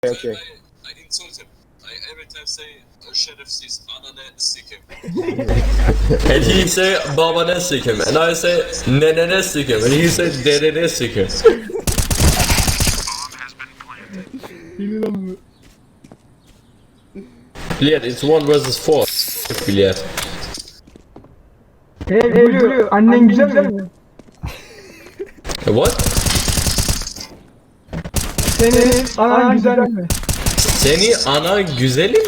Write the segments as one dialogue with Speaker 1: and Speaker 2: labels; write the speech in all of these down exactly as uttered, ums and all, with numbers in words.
Speaker 1: Okay.
Speaker 2: I insult him. I every time say uh, sheriff sees anane sick him.
Speaker 3: And he say babane sick him, and I say nenene sick him, and he say dedene sick him. Billiard, it's one versus four. Billiard.
Speaker 4: Hey Blue, annen güzel mi?
Speaker 3: What?
Speaker 4: Senin anan güzel mi?
Speaker 3: Seni ana güzelim.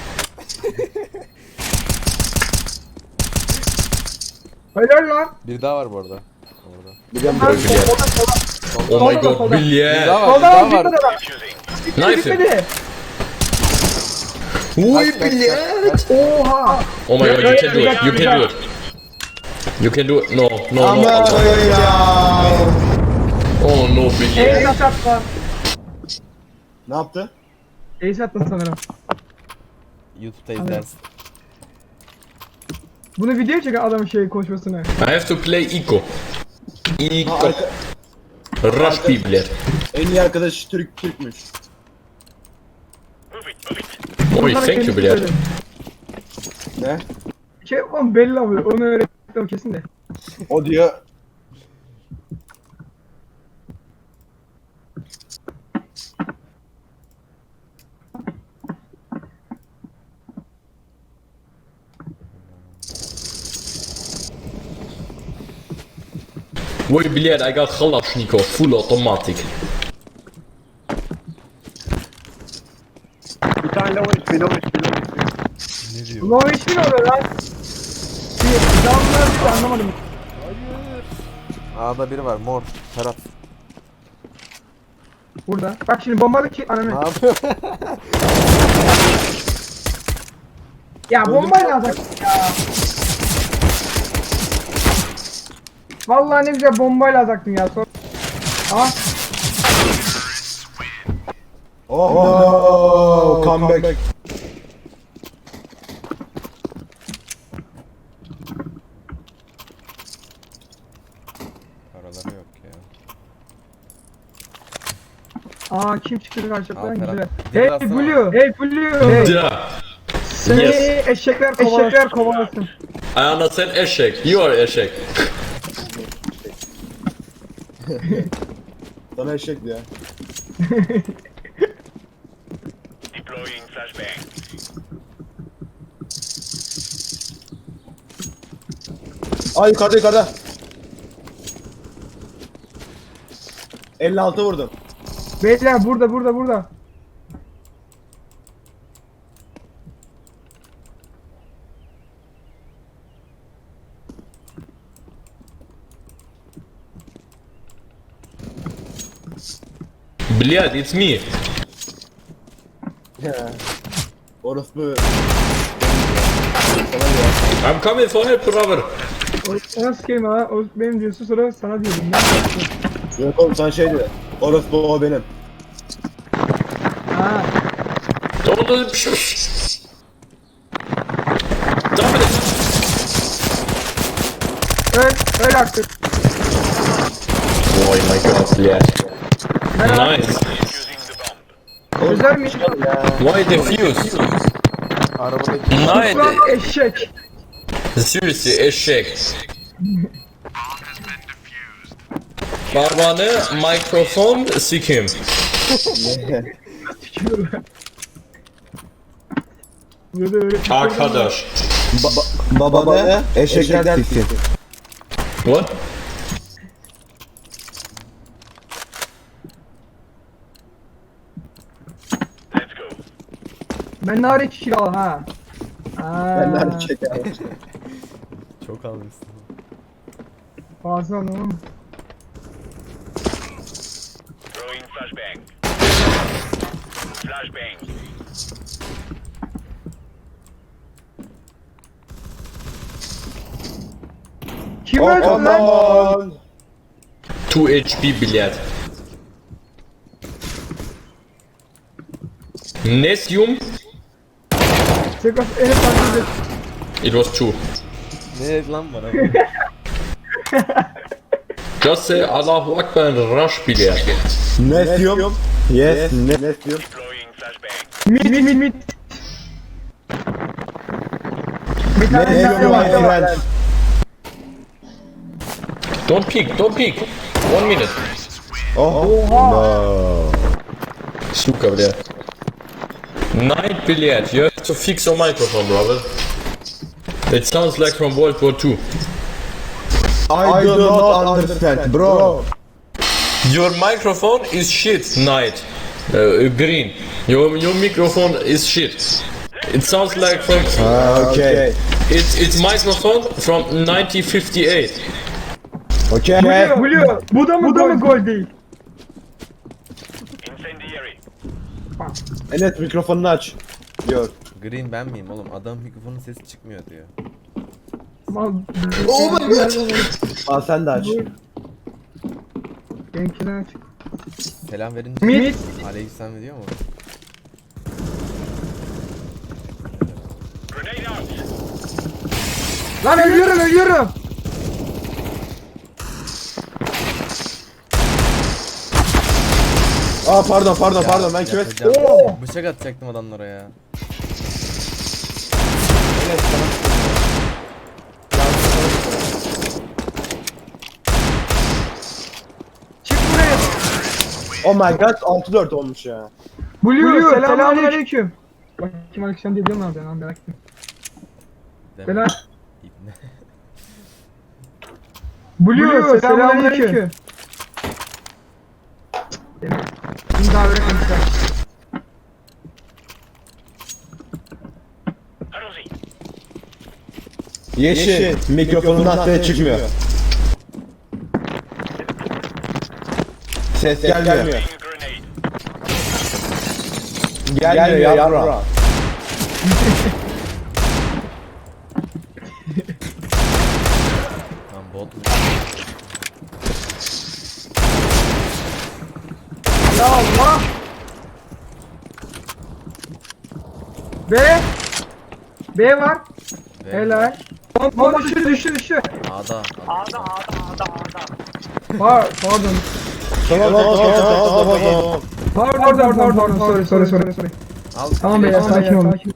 Speaker 4: Helal lan.
Speaker 5: Bir daha var bu arada. Orada.
Speaker 3: Billiard. Oh my god,
Speaker 5: Bir
Speaker 3: Billiard.
Speaker 5: daha var, bir
Speaker 4: Solda
Speaker 5: daha
Speaker 4: var, bir
Speaker 5: var.
Speaker 4: kadar.
Speaker 3: Knife him.
Speaker 4: Bitmedi.
Speaker 3: Uy Billiard.
Speaker 4: Oha.
Speaker 3: Oh my god, you can do it. You can do it. You can do it. No, no, no.
Speaker 1: Ama ya.
Speaker 3: Oh no, Billiard.
Speaker 4: Ace at lan.
Speaker 1: Ne yaptı?
Speaker 4: Ace attın sanırım.
Speaker 5: YouTube'da izlersin.
Speaker 4: Bunu video çeken adamın şey konuşmasını.
Speaker 3: I have to play Ico.
Speaker 1: Ha,
Speaker 3: Ico.
Speaker 1: arka-
Speaker 3: Rush Billiard.
Speaker 1: en iyi arkadaş Türk Türkmüş.
Speaker 3: Oy, thank you Billiard.
Speaker 1: Ne?
Speaker 4: Şey oğlum belli abi. Onu öğrettim kesin de.
Speaker 1: O diyor.
Speaker 3: Oy Billiard, I got Kalashnikov full automatic.
Speaker 6: Bir tane low H P, low H P, low H P.
Speaker 5: Ne diyor?
Speaker 4: Ulan hiç mi oluyor lan? Bir damlar bir anlamadım.
Speaker 5: A'da biri var, mor. Ferhat.
Speaker 4: Burada. Bak şimdi bombalı ki
Speaker 5: Ne
Speaker 4: ananı.
Speaker 5: yapıyor?
Speaker 4: Ya bombayla alacak ya. Vallahi ne güzel bombayla alacaktın ya. Sonra... Aa,
Speaker 1: Oh, no. Comeback.
Speaker 5: Paraları yok ya.
Speaker 4: aa kim çıktı karşılıklı
Speaker 5: Aa,
Speaker 4: güzel.
Speaker 5: Ferhat.
Speaker 4: Hey
Speaker 5: Biraz daha
Speaker 4: Blue, hey Blue. Hey.
Speaker 3: Da.
Speaker 4: Seni
Speaker 3: Yes.
Speaker 4: eşekler kovalasın. Eşekler kovalasın.
Speaker 3: I understand eşek. You are eşek.
Speaker 1: Sana eşek ya.
Speaker 2: Deploying flashbang.
Speaker 1: Ay yukarıda yukarıda. elli altı vurdum.
Speaker 4: Beyler burada burada burada.
Speaker 3: Billiard, it's me.
Speaker 1: Ya. Orospu.
Speaker 3: I'm coming for help, brother.
Speaker 4: O, o nasıl kelime ha? O benim diyorsun sonra sana diyorum. Ne yapıyorsun?
Speaker 1: Yok oğlum sana şey diyor. Orospu o benim.
Speaker 4: Ha.
Speaker 3: Don't do it. Stop it.
Speaker 4: Öl, öl artık.
Speaker 3: Oh my god, Billiard. Nice.
Speaker 4: Güzel mi?
Speaker 3: Why defuse?
Speaker 5: Arabadaki
Speaker 3: Nice.
Speaker 4: Ulan eşek.
Speaker 3: Seriously, eşek. Babanı mikrofon sikim.
Speaker 4: Tükürüyorlar. Burada öyle
Speaker 3: Arkadaş.
Speaker 1: Baba, babanı eşekler siksin.
Speaker 3: What?
Speaker 2: Let's go.
Speaker 4: Ben nari iki kilo al ha. Aa,
Speaker 1: Ben de eşek ya.
Speaker 5: çok almışsın.
Speaker 4: Fazla oğlum.
Speaker 2: Throwing flashbang. Flashbang.
Speaker 4: Kim
Speaker 1: Oh,
Speaker 4: öldü
Speaker 1: come
Speaker 4: lan?
Speaker 1: on.
Speaker 3: two H P Billiard. Nesium.
Speaker 4: Sekas en fazla.
Speaker 3: It was two.
Speaker 5: Ne lan bana?
Speaker 3: Just say Allahu Akbar and rush Billiard.
Speaker 1: Ne diyorum? Yes, ne, ne diyorum?
Speaker 2: Deploying
Speaker 4: Mid mid mid mid. Bir tane
Speaker 1: Let's
Speaker 4: daha
Speaker 1: go my
Speaker 4: var.
Speaker 1: friend.
Speaker 3: Don't peek, don't peek. One minute.
Speaker 1: Oh. No.
Speaker 3: Suka bile. Night billiard. You have to fix your microphone, brother. It sounds like from World War Two.
Speaker 1: I do not understand, bro.
Speaker 3: Your microphone is shit, Night. Uh, green. Your your microphone is shit. It sounds like from.
Speaker 1: Ah, okay.
Speaker 3: It's it's microphone from nineteen fifty-eight.
Speaker 1: Okay.
Speaker 4: Blue, Blue. Bu da mı, bu da mı gol değil?
Speaker 1: Enes mikrofonunu aç. Diyor.
Speaker 5: Green ben miyim oğlum? Adam mikrofonun sesi çıkmıyor diyor.
Speaker 4: Oh my god.
Speaker 1: Al sen de aç.
Speaker 4: Benimkini aç.
Speaker 5: Selam verince
Speaker 4: Mid.
Speaker 5: aleykümselam diyor mu?
Speaker 4: Lan ölüyorum ölüyorum.
Speaker 1: Aa pardon pardon pardon ben kime
Speaker 5: Yapacağım.
Speaker 4: Oo.
Speaker 5: Bıçak atacaktım adamlara ya.
Speaker 4: Çık buraya.
Speaker 1: Oh my god altı dört olmuş ya.
Speaker 4: Blue, Blue selamünaleyküm. Bak kim aleyküm diye diyorum abi ben merak ettim.
Speaker 5: Deme.
Speaker 4: Selam.
Speaker 5: İbne.
Speaker 4: Blue selamünaleyküm. Şimdi daha böyle konuşacağım.
Speaker 1: Yeşil mikrofonundan ses çıkmıyor. Ses gelmiyor. Gelmiyor yavrum.
Speaker 5: Lan bot mu?
Speaker 4: Ya Allah. B. B var.
Speaker 5: Ve
Speaker 4: Helal. Bomba düştü düştü düştü.
Speaker 5: A'da. A'da.
Speaker 4: Var pardon.
Speaker 1: Tamam tamam tamam tamam tamam.
Speaker 4: Pardon pardon pardon sorry sorry sorry sorry.
Speaker 5: Al.
Speaker 4: Tamam beyler sakin olun.
Speaker 5: Tamam.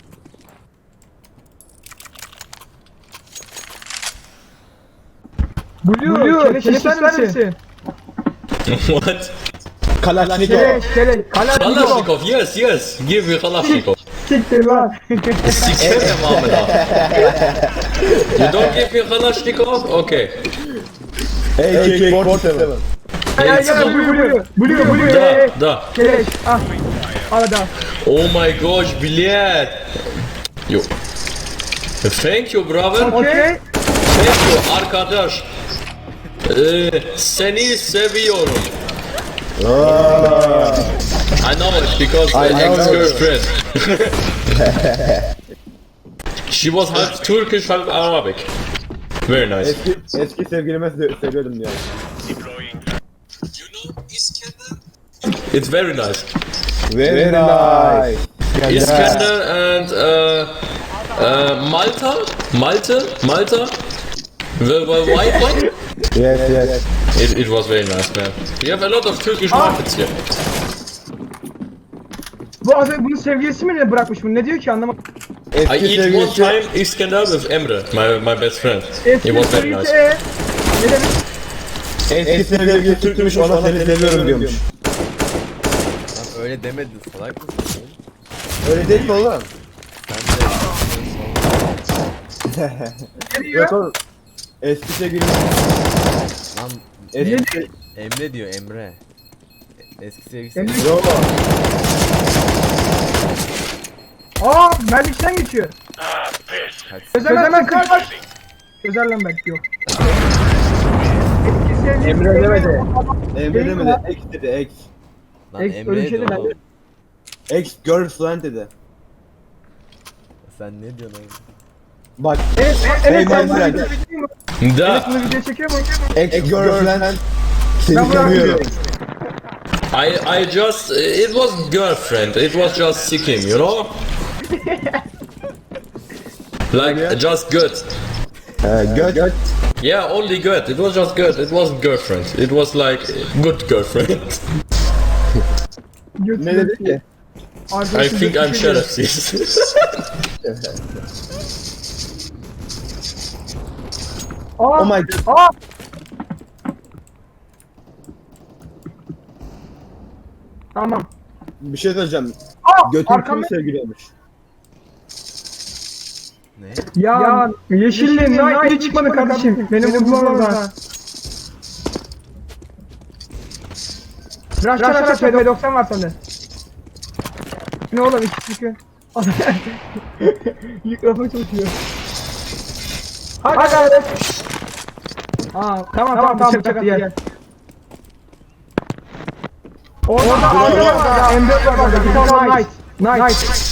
Speaker 4: Blue, Blue keleş ister misin?
Speaker 3: What?
Speaker 1: Kalaşnikov.
Speaker 4: Keleş keleş. Kalashnikov.
Speaker 3: Kalashnikov, yes, yes. Give me Kalashnikov.
Speaker 4: Siktir lan.
Speaker 3: Sikeme Mahmeda. You don't give me Kalashnikov? Okay.
Speaker 1: A K kırk yedi.
Speaker 4: Gel gel Blue Blue. Blue Blue.
Speaker 3: Da, da.
Speaker 4: Keleş. Ah. Al da.
Speaker 3: Oh my gosh, bilet. Yo. Thank you, brother.
Speaker 4: Okay.
Speaker 3: Thank you, arkadaş. Ee, seni seviyorum. I know it because
Speaker 1: I
Speaker 3: my
Speaker 1: know
Speaker 3: ex-girlfriend. She was half Turkish, half Arabic. Very nice.
Speaker 1: Eski, eski sevgilime se- seviyordum diyor.
Speaker 2: You know İskender?
Speaker 3: It's very nice.
Speaker 1: Very nice.
Speaker 3: Iskender and uh, uh, Malta, Malte, Malta, the, the white one.
Speaker 1: Yes yes.
Speaker 3: It, it was very nice, man. We have a lot of Turkish markets here.
Speaker 4: Bu az önce bunun sevgilisi mi ne bırakmış bunu? Ne diyor ki anlamadım.
Speaker 3: I
Speaker 1: Eski
Speaker 3: eat one
Speaker 1: sevgilisi.
Speaker 3: time Iskender with Emre, my my best friend. It
Speaker 4: Eski
Speaker 3: was very
Speaker 4: sevgilisi
Speaker 3: nice.
Speaker 4: e. Ne demek?
Speaker 1: Eski sevgilisi Türkmüş ona seni seviyorum diyormuş.
Speaker 5: Lan öyle demedin salak mısın?
Speaker 1: Öyle değil mi oğlum?
Speaker 4: Ne diyor?
Speaker 1: Yok oğlum. Eski sevgilisi.
Speaker 5: Lan
Speaker 1: Eski...
Speaker 5: Emre diyor Emre. E- Eski sevgilisi.
Speaker 4: Emre-
Speaker 1: Yok.
Speaker 4: Aa Merlik'ten geçiyor.
Speaker 5: Kaç
Speaker 4: Özel hemen kaç. Özel lan belki yok. Eski sevgilisi
Speaker 1: Emre demedi. Emre
Speaker 4: Değil
Speaker 1: demedi.
Speaker 4: mi?
Speaker 1: Ex dedi ex.
Speaker 5: Lan
Speaker 4: Ex- öyle bir şey
Speaker 5: Emre
Speaker 4: de
Speaker 5: oğlum.
Speaker 1: Ex girlfriend dedi.
Speaker 5: Sen ne diyorsun oğlum?
Speaker 1: Bak.
Speaker 4: Evet,
Speaker 1: Hey
Speaker 4: evet
Speaker 1: my
Speaker 4: sen bunu
Speaker 1: friend.
Speaker 4: video çekiyor mu? Evet
Speaker 3: Da,
Speaker 4: bunu video çekiyor mu?
Speaker 1: Ex girlfriend. Seni
Speaker 4: Ben bunu
Speaker 1: seviyorum.
Speaker 3: I I just it was girlfriend. It was just sickim, you know. Like just good.
Speaker 1: He göt.
Speaker 3: Yeah, only good. It was just good. It wasn't girlfriend. It was like good girlfriend.
Speaker 1: Ne dedi ki?
Speaker 3: I think I'm şerefsiz.
Speaker 4: Aa,
Speaker 1: Oh my god.
Speaker 4: aa. Tamam.
Speaker 1: Bir şey söyleyeceğim.
Speaker 4: Aa,
Speaker 1: Götün
Speaker 4: arkamda.
Speaker 1: kimi sevgiliyormuş?
Speaker 5: Ne?
Speaker 4: Ya, ya yeşilli Knight hiç çıkmadı kardeşim. Benim vurmam orada. Rush rush rush P doksan var sende. Ne oğlum iki çıkıyor. Mikrofon çalışıyor. Hadi hadi. Aa tamam tamam tamam bıçak attı gel. Orada orada var ya M dört var orada. Bir tane Knight. Knight.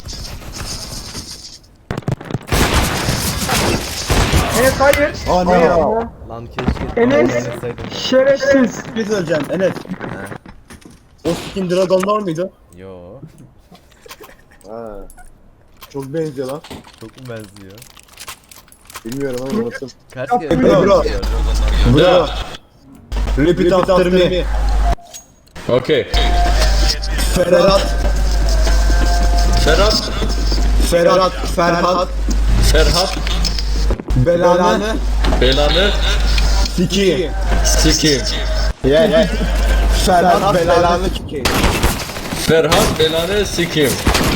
Speaker 4: Evet hayır.
Speaker 1: Aa ne ya?
Speaker 5: Lan keşke.
Speaker 4: Enes.
Speaker 5: oynasaydım.
Speaker 4: Şerefsiz.
Speaker 1: Bir şey söyleyeceğim Enes. O skin Dragon'da var mıydı?
Speaker 5: Yo.
Speaker 1: Ha. Çok benziyor lan.
Speaker 5: Çok mu benziyor?
Speaker 1: Bilmiyorum ama unuttum.
Speaker 5: Kaç
Speaker 4: Yaptım
Speaker 5: kere
Speaker 1: bro.
Speaker 5: benziyor?
Speaker 1: Bro. Repeat after me.
Speaker 3: Okay.
Speaker 1: Ferhat.
Speaker 3: Ferhat.
Speaker 1: Ferhat. Ferhat.
Speaker 3: Ferhat.
Speaker 1: Belanı.
Speaker 3: Belanı.
Speaker 1: Siki.
Speaker 3: Sikeyim.
Speaker 1: Yeah yeah. Ferhat belanı siki.
Speaker 3: Ferhat belanı sikeyim.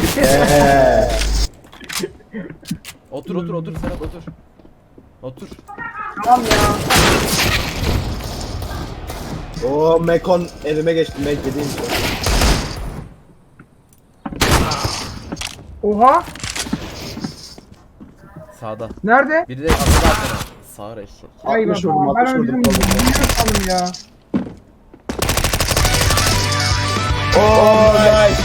Speaker 5: Otur otur otur Serhat otur. Otur.
Speaker 4: Tamam ya.
Speaker 1: O Mekon elime geçti. Mek dediğim şey.
Speaker 4: Oha.
Speaker 5: Sağda.
Speaker 4: Nerede?
Speaker 5: Biri de atladı arkana. Sağır eşek.
Speaker 4: Ay
Speaker 1: altmış
Speaker 4: baba.
Speaker 1: vurdum,
Speaker 4: Ben
Speaker 1: altmış
Speaker 4: öyle
Speaker 1: vurdum.
Speaker 4: bizim büyüyor sandım ya.
Speaker 1: Oh nice.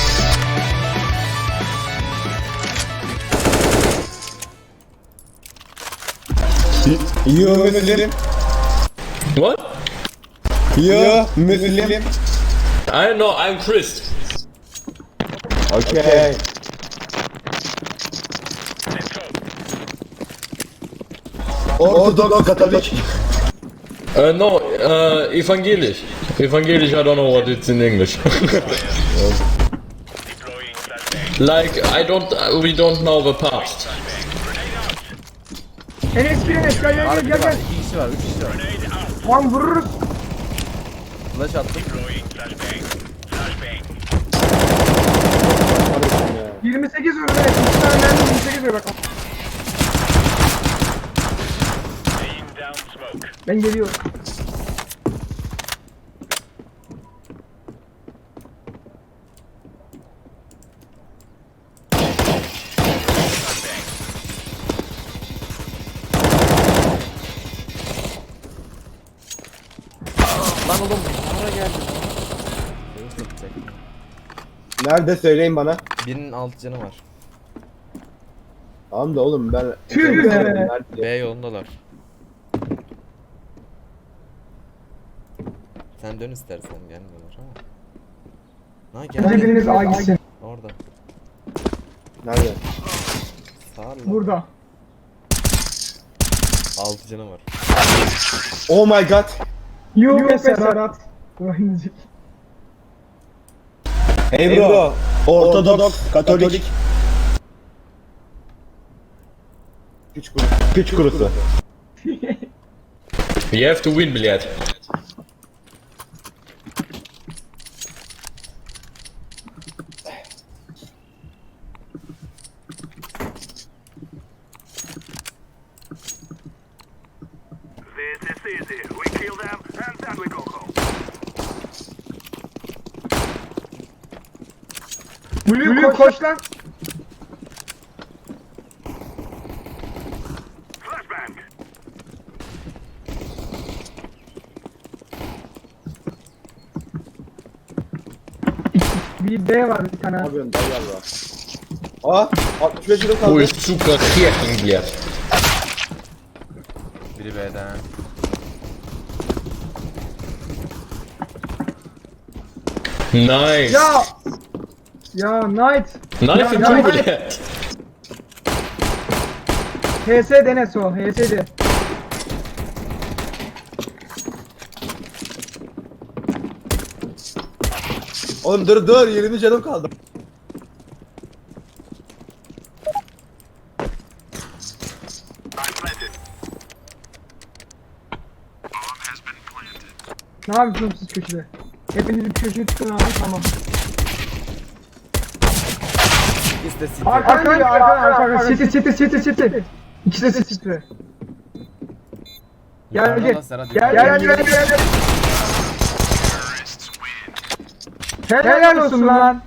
Speaker 1: You Muslim.
Speaker 3: What?
Speaker 1: You Muslim.
Speaker 3: I know, I'm Christ.
Speaker 1: Okay. Ortodoks Katolik.
Speaker 3: Uh, no, uh, evangelisch. Evangelisch, I don't know what it's in English. Like, I don't, uh, we don't know the past.
Speaker 4: Enes bir Enes gel gel gel
Speaker 5: Harbi
Speaker 4: gel.
Speaker 5: var.
Speaker 4: gel.
Speaker 5: İki kişi var. Üç kişi var.
Speaker 4: Lan vururuz.
Speaker 5: Flash attım.
Speaker 4: yirmi sekiz vurdu Enes. İki tane mermi yirmi sekiz vurdu bak. Ben geliyorum.
Speaker 5: Lan oğlum buraya geldi. Beni satacak.
Speaker 1: Nerede söyleyin bana.
Speaker 5: Birinin alt canı var.
Speaker 1: Tamam da oğlum ben...
Speaker 4: Tüh be.
Speaker 1: Nerede?
Speaker 5: B yolundalar. Sen dön istersen gelmiyorlar ama. Ha
Speaker 4: Bence
Speaker 5: gel.
Speaker 4: biriniz A gitsin.
Speaker 5: Orada.
Speaker 1: Nerede?
Speaker 5: Sağırla.
Speaker 4: Burada.
Speaker 5: Altı canı var.
Speaker 1: Oh my god.
Speaker 4: Yok be Serhat. Oynayacak.
Speaker 1: Hey bro. Ortodoks Katolik. Güç kurusu. Güç kurusu.
Speaker 3: You have to win, блядь.
Speaker 7: This is easy. We kill them and then we go home.
Speaker 4: Blue koş lan.
Speaker 7: Flashbang.
Speaker 4: Bir B var bir tane.
Speaker 1: Ne yapıyorsun dayı Allah. Aa altmış beş yılım
Speaker 3: Ой,
Speaker 1: kaldı.
Speaker 3: сука, херень, блядь.
Speaker 5: Biri B'den.
Speaker 3: Nice.
Speaker 4: Ya. Ya Knight.
Speaker 3: Knife
Speaker 4: Ya,
Speaker 3: in
Speaker 4: ya,
Speaker 3: two,
Speaker 4: ya.
Speaker 3: блядь.
Speaker 4: H S Denes o. H S de.
Speaker 1: Oğlum dur dur yirmi canım kaldı.
Speaker 4: Ne yapıyorsunuz siz köşede? Hepiniz bir köşeye çıkın abi, tamam.
Speaker 5: İşte City.
Speaker 4: Arka geliyor, arka, arka, arka. City, city, city, city. İkisi de city. Gel,
Speaker 5: Yukarıda
Speaker 4: gel.
Speaker 5: lan Serhat,
Speaker 4: Gel,
Speaker 5: yukarıda.
Speaker 4: gel, gel, gel, gel. Helal olsun lan.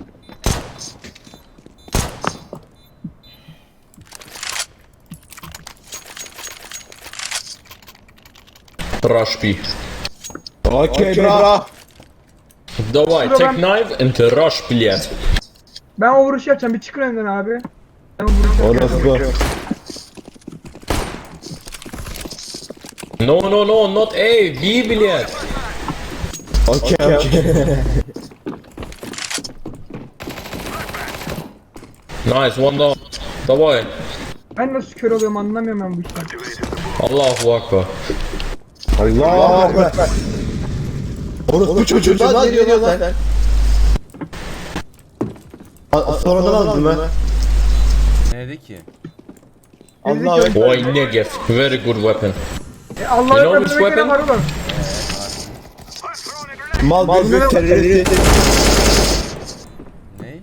Speaker 3: Rush B.
Speaker 1: Okey bro.
Speaker 3: Давай,
Speaker 4: Şurada
Speaker 3: take
Speaker 4: ben-
Speaker 3: knife and rush, блядь.
Speaker 4: Ben o vuruşu yapacağım, bir çıkın önden abi. Ben o vuruşu yapacağım.
Speaker 1: Orası bu.
Speaker 3: No, no, no, not A, B, блядь.
Speaker 1: Okey okey.
Speaker 3: Nice, one down. Давай.
Speaker 4: Ben nasıl kör oluyorum anlamıyorum ben bu işten.
Speaker 3: Allahu Akbar.
Speaker 1: Allahu Ekber. Orası çocuğu lan diyor lan sen. A- Sonradan aldın mı?
Speaker 5: Ne dedi ki?
Speaker 1: Allahu Ekber.
Speaker 3: Boy, Negev. Very good weapon.
Speaker 4: E Allah'a
Speaker 3: You know
Speaker 4: emanet
Speaker 3: which
Speaker 4: olun, gene
Speaker 3: weapon?
Speaker 4: var oğlum.
Speaker 1: Mal bir terörist.
Speaker 5: Ne?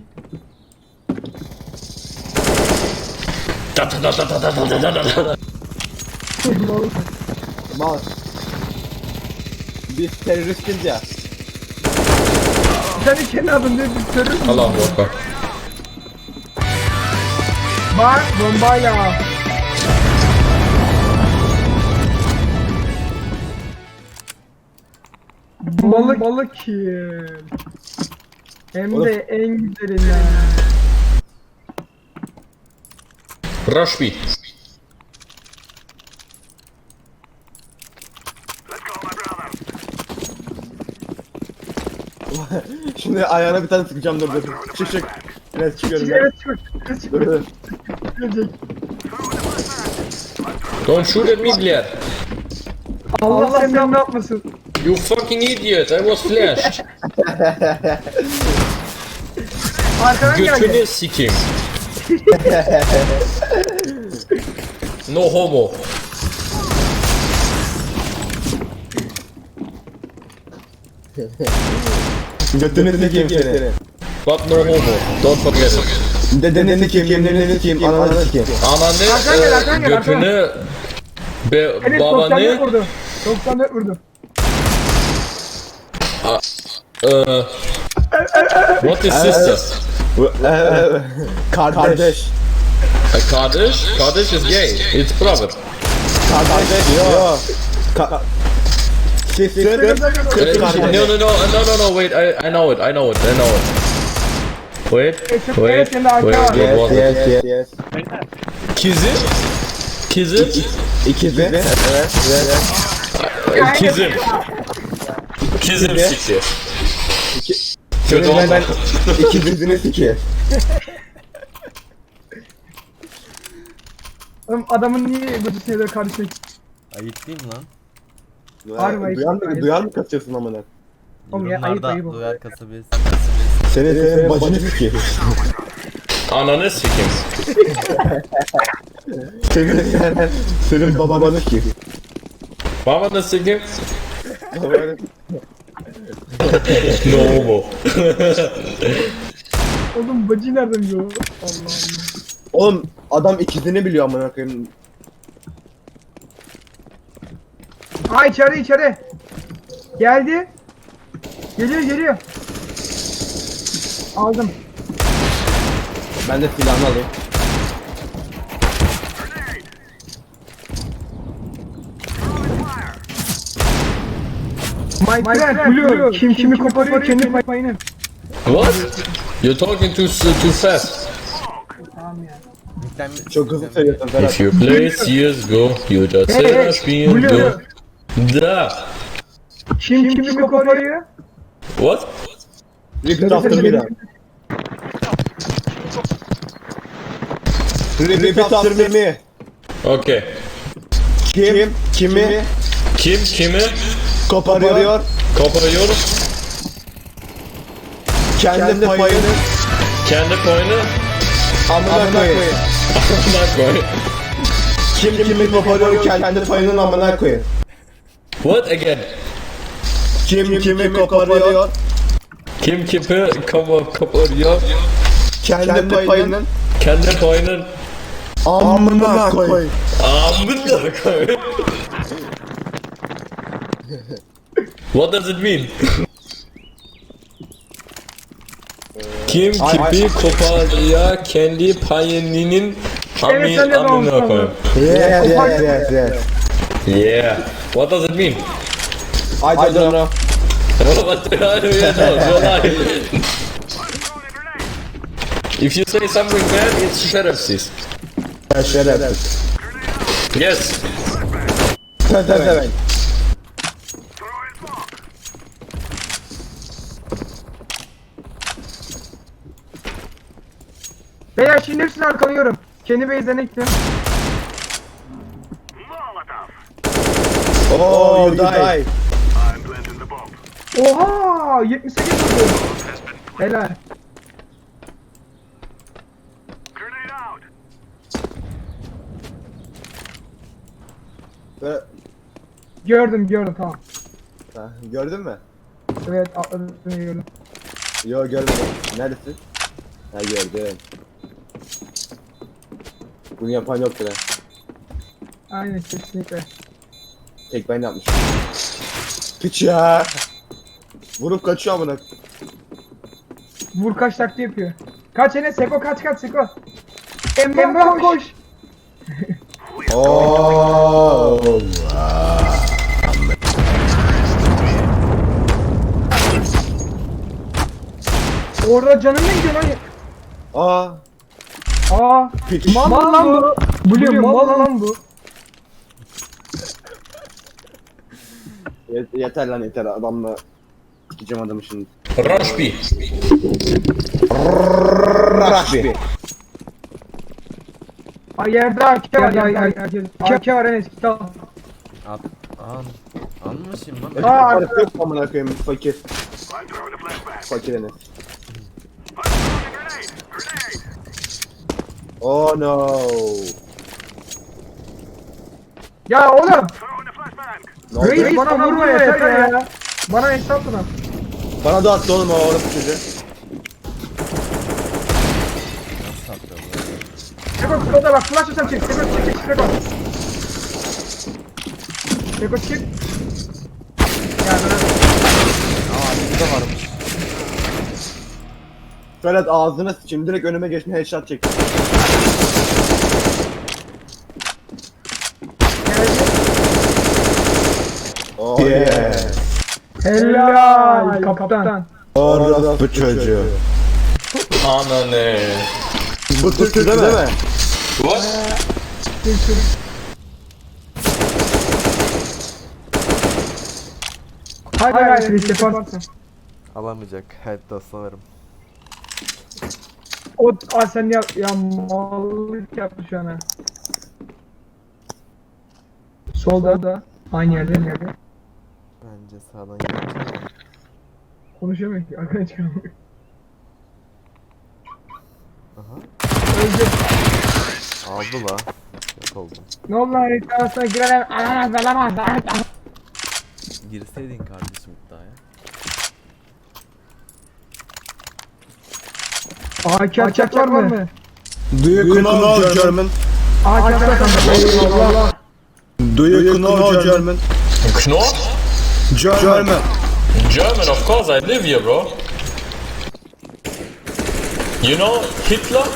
Speaker 1: Mal. Biz teröristiz ya.
Speaker 4: Sen de kendi adın diye bir terörist.
Speaker 3: Allahu Akbar.
Speaker 4: Bak bombayla. Balık balık kill. Hem de en güzelinden.
Speaker 3: Rush B.
Speaker 1: Şimdi ayağına bir tane sıkacağım dur dur. Çık çık. Evet çıkıyorum ben.
Speaker 4: Evet çık. Çık.
Speaker 1: Dur dur.
Speaker 4: Gelecek.
Speaker 3: Don't shoot at me, блядь.
Speaker 4: Allah, Allah seni ne yapmasın.
Speaker 3: You fucking idiot, I was flashed.
Speaker 4: Arkadan geldi.
Speaker 3: Götünü sikeyim. No homo.
Speaker 1: Götünü sikeyim seni.
Speaker 3: But no homo. Don't forget it.
Speaker 1: Dedeni sikeyim, yeminini sikeyim, ananı sikeyim.
Speaker 3: Ananı,
Speaker 4: Arkadan gel, arkadan
Speaker 3: e,
Speaker 4: gel,
Speaker 3: götünü, be,
Speaker 4: Evet doksan dört
Speaker 3: babanı,
Speaker 4: vurdu. doksan dört vurdu.
Speaker 3: e, what is sister?
Speaker 1: Kardeş.
Speaker 3: A kardeş? Kardeş is gay. It's brother.
Speaker 1: Kardeş. Yok. Ka Sister.
Speaker 3: Uh,
Speaker 1: Kardeş.
Speaker 3: no, no, no, no, no, no, wait, I, I know it, I know it, I know it. Wait,
Speaker 4: çok
Speaker 3: wait,
Speaker 4: evet, şimdi arka
Speaker 3: wait,
Speaker 4: var.
Speaker 3: what
Speaker 1: Yes
Speaker 3: was it?
Speaker 1: yes yes yes.
Speaker 3: Kizim? Kizim?
Speaker 1: İkizi. Evet. Evet.
Speaker 3: E, Kizim. Kizim sikti. Kötü
Speaker 1: Senin ben
Speaker 3: oldu.
Speaker 1: ikizini sikeyim.
Speaker 4: Oğlum adamın niye bu şeyleri karışık?
Speaker 5: Ayıp değil mi lan?
Speaker 4: Harbi,
Speaker 1: Duyar mı,
Speaker 4: ayıp.
Speaker 1: duyar mı kaçıyorsun amına?
Speaker 4: Oğlum ya, ayıp,
Speaker 5: Yorumlarda
Speaker 4: ayıp o.
Speaker 5: duyar kasabesi.
Speaker 1: Senin senin bacını sikeyim.
Speaker 3: Ananı sikeyim.
Speaker 1: Senin senin senin babanı sikeyim.
Speaker 3: Babanı sikeyim. No homo.
Speaker 4: Oğlum bacı nereden biliyor? Allah Allah.
Speaker 1: Oğlum adam ikizini biliyor amına koyayım.
Speaker 4: Aa içeri içeri. Geldi. Geliyor geliyor. Aldım.
Speaker 1: Ben de silahını alayım.
Speaker 4: My friend Blue. Kim kimi koparıyor kendi payını.
Speaker 3: What? You're talking too too fast.
Speaker 4: Tamam ya.
Speaker 5: Yüklenme-
Speaker 1: Çok hızlı söylüyorsun Ferhat.
Speaker 3: If you play C S G O, you just
Speaker 4: Hey,
Speaker 3: say
Speaker 4: hey,
Speaker 3: rush me and
Speaker 4: Blue.
Speaker 3: go. Da.
Speaker 4: Kim kimi koparıyor?
Speaker 3: What?
Speaker 1: Repeat after me lan. Repeat after me.
Speaker 3: Okay.
Speaker 1: Kim kimi
Speaker 3: Kim kimi
Speaker 1: koparıyor,
Speaker 3: koparıyor?
Speaker 1: kendi payını
Speaker 3: Kendi payını
Speaker 1: amına koyayım.
Speaker 3: amına koy.
Speaker 1: Kim kimi koparıyor kendi payının amına koyayım.
Speaker 3: What again?
Speaker 1: Kim kimi koparıyor
Speaker 3: Kim kimi kapa koparıyor?
Speaker 1: kendi payının
Speaker 3: Kendi payının
Speaker 1: amına koyayım.
Speaker 3: amına koyayım. What does it mean? Kim kimi koparıyor kendi payının
Speaker 4: Evet, sen de
Speaker 3: amına
Speaker 4: doğru
Speaker 3: koyayım.
Speaker 1: Yes yes yes yes.
Speaker 3: Yeah. What does it mean?
Speaker 1: I don't know.
Speaker 3: What do I know? If you say something bad, it's şerefsiz.
Speaker 1: Şerefsiz.
Speaker 3: Yes.
Speaker 1: Sen sen sen.
Speaker 7: Throwing smoke.
Speaker 4: Beyler şimdi hepsini arkalıyorum. Kendi base'den ektim.
Speaker 7: Molotov.
Speaker 1: Oh you die.
Speaker 7: I'm planting the bomb.
Speaker 4: Oha! yetmiş sekiz vurdu. Helal.
Speaker 7: Grenade out.
Speaker 1: Böyle-
Speaker 4: Gördüm gördüm tamam.
Speaker 1: Ha, gördün mü?
Speaker 4: Evet atladım gördüm.
Speaker 1: Yo görmedim. Neredesin? Ha gördüm. Bunu yapan yoktur ha.
Speaker 4: Aynen kesinlikle.
Speaker 1: Tek ben yapmışım. Piç ya. Vurup kaçıyor amına.
Speaker 4: Vur kaç taktiği yapıyor. Kaç Enes Seko kaç kaç Seko. Emrah koş.
Speaker 1: Oo.
Speaker 4: Orada canın ne gidiyor lan?
Speaker 1: Aa.
Speaker 4: Aa.
Speaker 1: Piç.
Speaker 4: Mal lan bu. Biliyorum mal lan bu.
Speaker 1: Yet- yeter lan yeter adamla. Sikeceğim adamı şimdi.
Speaker 3: Rush B.
Speaker 1: Rush
Speaker 4: Ay yerde A K var ay ay ay. A K var Enes git al.
Speaker 5: At. An. Anmışım lan.
Speaker 4: Aa,
Speaker 1: Parası yok amına koyayım fakir.
Speaker 7: I'm throwing a flashbang.
Speaker 1: Fakir Enes.
Speaker 7: I'm throwing a grenade. Grenade.
Speaker 1: Oh no.
Speaker 4: Ya oğlum.
Speaker 7: Throwing a flashbang.
Speaker 1: Ne oldu?
Speaker 4: Reis bana vurma yeter ya. Bana hesap lan.
Speaker 1: Bana da attı oğlum o orası çocuğu.
Speaker 4: Seko Seko'da bak flash atam çık. Seko çık çık Seko. Seko çık. Ya
Speaker 1: Ferhat ağzına sıçayım direkt önüme geçme headshot çek. Oh yeah.
Speaker 4: helal kaptan.
Speaker 1: Orası çocuğu.
Speaker 3: Ananı.
Speaker 1: Bu Türk değil mi?
Speaker 3: What?
Speaker 4: Hayır hayır hayır Reis yaparsın.
Speaker 5: Alamayacak. Hayatta sanırım.
Speaker 4: O aa sen ya ya mallık yaptı şu an ha. Solda da aynı yerde aynı yerde.
Speaker 5: Bence sağdan gelecek.
Speaker 4: Konuşamıyor ki arkana çıkamıyor.
Speaker 5: Aha.
Speaker 4: Öldü.
Speaker 5: Aldı la. Yok oldu.
Speaker 4: Ne oldu lan Reis arasına girelim. Alamaz alamaz.
Speaker 5: Girseydin kardeşim iddiaya.
Speaker 4: A K açacak var mı?
Speaker 1: Do you know German?
Speaker 4: A K açacak eyvallah.
Speaker 1: Do you know German?
Speaker 3: Knorr?
Speaker 1: German.
Speaker 3: German, of course, I live here, bro. You know Hitler?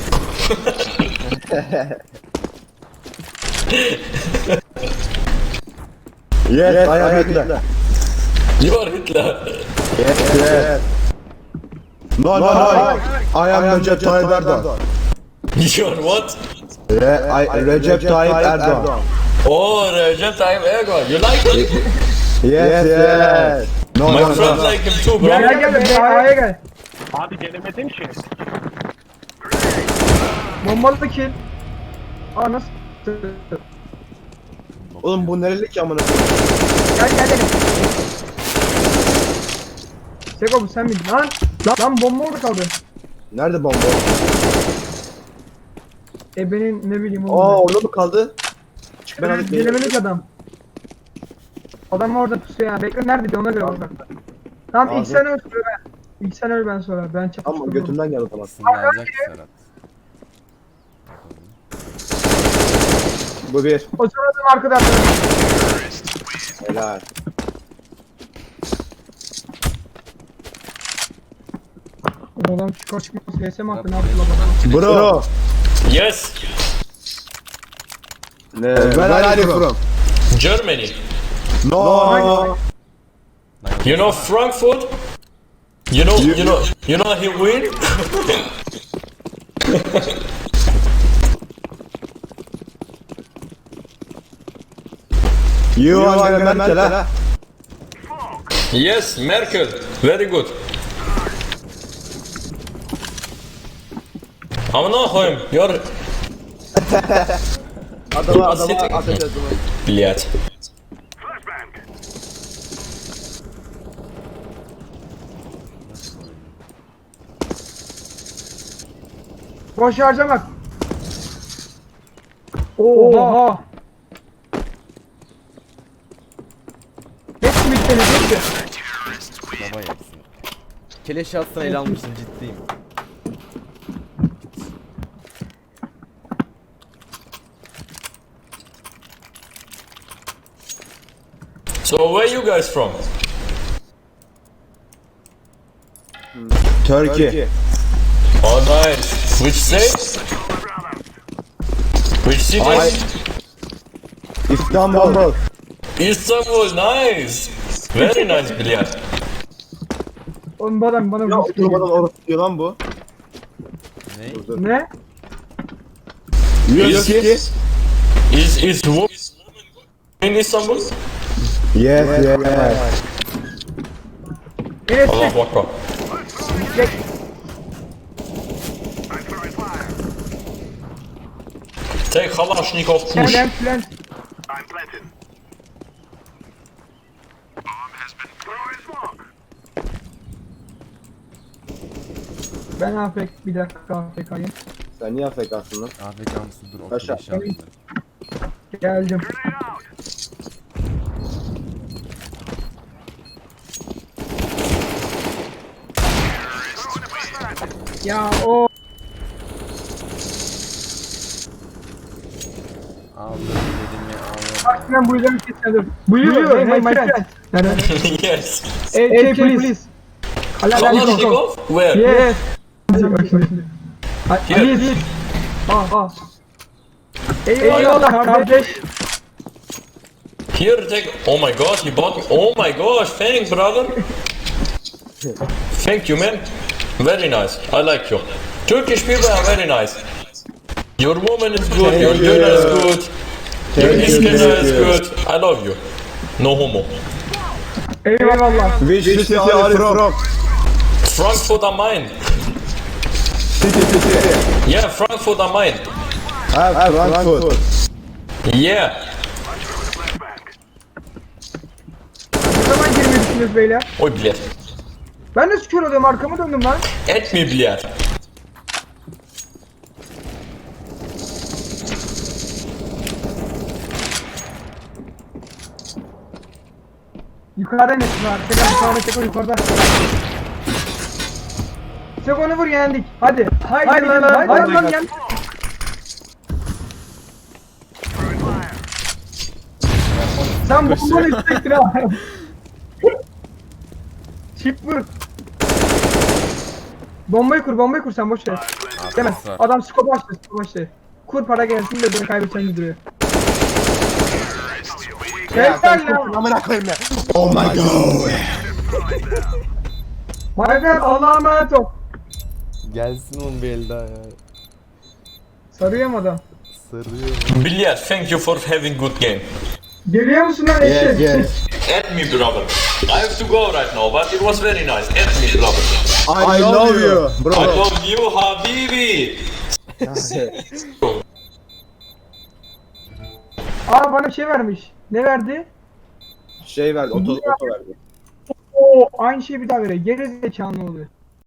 Speaker 1: Yes, I am Hitler.
Speaker 3: You are Hitler.
Speaker 1: Yes, yes. No, no, no. I am Recep Tayyip Erdoğan.
Speaker 3: You are what?
Speaker 1: Yeah, I, Recep Tayyip Erdoğan.
Speaker 3: Oh, Recep Tayyip Erdogan. You like him?
Speaker 1: Yes, yes. No,
Speaker 3: My
Speaker 1: no,
Speaker 3: friends
Speaker 1: no.
Speaker 3: like him too, bro.
Speaker 4: Gel gel gel be A'ya gel.
Speaker 7: Abi gelemedim ki.
Speaker 4: Bombalı kill. Aa nasıl?
Speaker 1: Oğlum bu nereli ki amına?
Speaker 4: Gel gel gel. Seko bu sen miydin lan? Lan, lan bomba orada kaldı.
Speaker 1: Nerede bomba?
Speaker 4: E benim ne bileyim
Speaker 1: Aa
Speaker 4: oğlum.
Speaker 1: orada mı kaldı? Ben alıp geliyorum.
Speaker 4: Gelemedik adam. Adam orada pusuyor ya. Bekle nerede diyor ona göre bak. Tamam ilk
Speaker 1: Abi.
Speaker 4: sen öl sonra ben. İlk sen öl ben sonra. Ben
Speaker 1: Ama
Speaker 4: çapıştım.
Speaker 1: götümden gel o zaman.
Speaker 5: Sınırlanacak Serhat.
Speaker 1: Bu bir.
Speaker 4: O sırada arkada arkada.
Speaker 1: Helal.
Speaker 4: O adam çıkar çıkmaz S S mi attı ne yaptı la bak.
Speaker 1: Bro.
Speaker 3: Yes,
Speaker 1: Ne? Where are you from?
Speaker 3: Germany.
Speaker 1: No.
Speaker 3: You know Frankfurt? You know, you know, you know he win?
Speaker 1: You Angela Merkel ha?
Speaker 3: Yes, Merkel. Very good. Amına koyayım. You're
Speaker 1: Adama adama
Speaker 3: Sitting.
Speaker 1: ateş ettim.
Speaker 3: Блядь.
Speaker 7: Flashbang.
Speaker 4: Boş harcamak. Oha. Hepsi bitti hepsi.
Speaker 5: Baba yaksın. Keleş atsana ele almışsın ciddiyim.
Speaker 3: So where you guys from?
Speaker 1: Turkey.
Speaker 3: Oh nice. Which state? Which city?
Speaker 1: I- İstanbul.
Speaker 3: Istanbul. Nice. Very nice bilyar.
Speaker 4: Oğlum bu adam bana
Speaker 1: Ya
Speaker 4: vurdu.
Speaker 1: oturmadan orası diyor lan bu.
Speaker 5: Ne?
Speaker 4: Ne?
Speaker 1: Diyor ki.
Speaker 3: Is is wo- in Istanbul?
Speaker 1: Yes yes.
Speaker 4: Enes
Speaker 3: Allahu Akbar.
Speaker 4: çek.
Speaker 7: I'm throwing fire.
Speaker 3: Take Kalashnikov push.
Speaker 4: Plant plant.
Speaker 7: I'm planting. Bomb has been throwing smoke.
Speaker 4: Ben afk bir dakika afk'yim.
Speaker 1: Sen niye afk'sın lan?
Speaker 5: A F K mısın? Dur o
Speaker 1: Aşağı.
Speaker 5: keleşi alayım ben.
Speaker 4: Geldim.
Speaker 7: Grenade out. Throwing a flashbang.
Speaker 4: Ya o
Speaker 5: Aldım elimi aldım.
Speaker 4: bak ben bu yüzden kesmedim. Buyur hey my friend.
Speaker 3: Yes.
Speaker 4: A K please. Kalashnikov.
Speaker 3: Kalashnikov? Where?
Speaker 4: Yes. Bak şimdi.
Speaker 3: Here.
Speaker 4: Please. Ha ha. Eyvallah kardeş.
Speaker 3: Here, take. Oh my god, he bought me. Oh my gosh, thanks, brother. Thank you, man. Very nice. I like you. Turkish people are very nice. Your woman is good. Your
Speaker 1: Thank
Speaker 3: dinner is
Speaker 1: you.
Speaker 3: good. Your
Speaker 1: Thank you,
Speaker 3: iskender
Speaker 1: thank
Speaker 3: is
Speaker 1: you.
Speaker 3: good. I love you. No homo.
Speaker 4: Eyvallah.
Speaker 1: Which city are you from?
Speaker 3: Frankfurt am Main.
Speaker 1: City city.
Speaker 3: Yeah, Frankfurt am Main.
Speaker 1: Ha Frankfurt.
Speaker 3: Yeah.
Speaker 7: Flashbang.
Speaker 4: Ne zaman girmeyi düşünüyoruz beyler?
Speaker 3: Oy bilet.
Speaker 4: Ben de kör oluyorum arkamı döndüm lan.
Speaker 3: Et mi bilet?
Speaker 4: Yukarıda ne var? Tekrar sağına çek o yukarıda. Çek onu vur yendik. Hadi. Haydi, haydi lan haydi, haydi lan yen.
Speaker 7: Throwing fire.
Speaker 4: Sen bu bunu istektin ha. Çip vur. Bombayı kur, bombayı kur sen boş ver. Demez.
Speaker 5: Arkası var.
Speaker 4: Adam scope açtı, scope açtı. Kur para gelsin de beni kaybedeceğini duruyor. Helal lan.
Speaker 1: Amına koyayım ya. Oh my god.
Speaker 4: Mayfer Allah'a emanet ol.
Speaker 5: Gelsin oğlum bir el daha ya.
Speaker 4: Sarıyorum adam.
Speaker 5: Sarıyor.
Speaker 3: Bilet, thank you for having good game.
Speaker 4: Geliyor musun lan
Speaker 1: Yes
Speaker 4: eşek?
Speaker 1: yes.
Speaker 3: Add me, brother. I have to go right now, but it was very nice. Add me, brother.
Speaker 1: I love you
Speaker 3: I
Speaker 1: bro.
Speaker 3: love you, Habibi.
Speaker 4: Aa bana bir şey vermiş. Ne verdi?
Speaker 1: Şey verdi, oto, oto verdi.
Speaker 4: Oo aynı şeyi bir daha veriyor. Geri zekalı oluyor.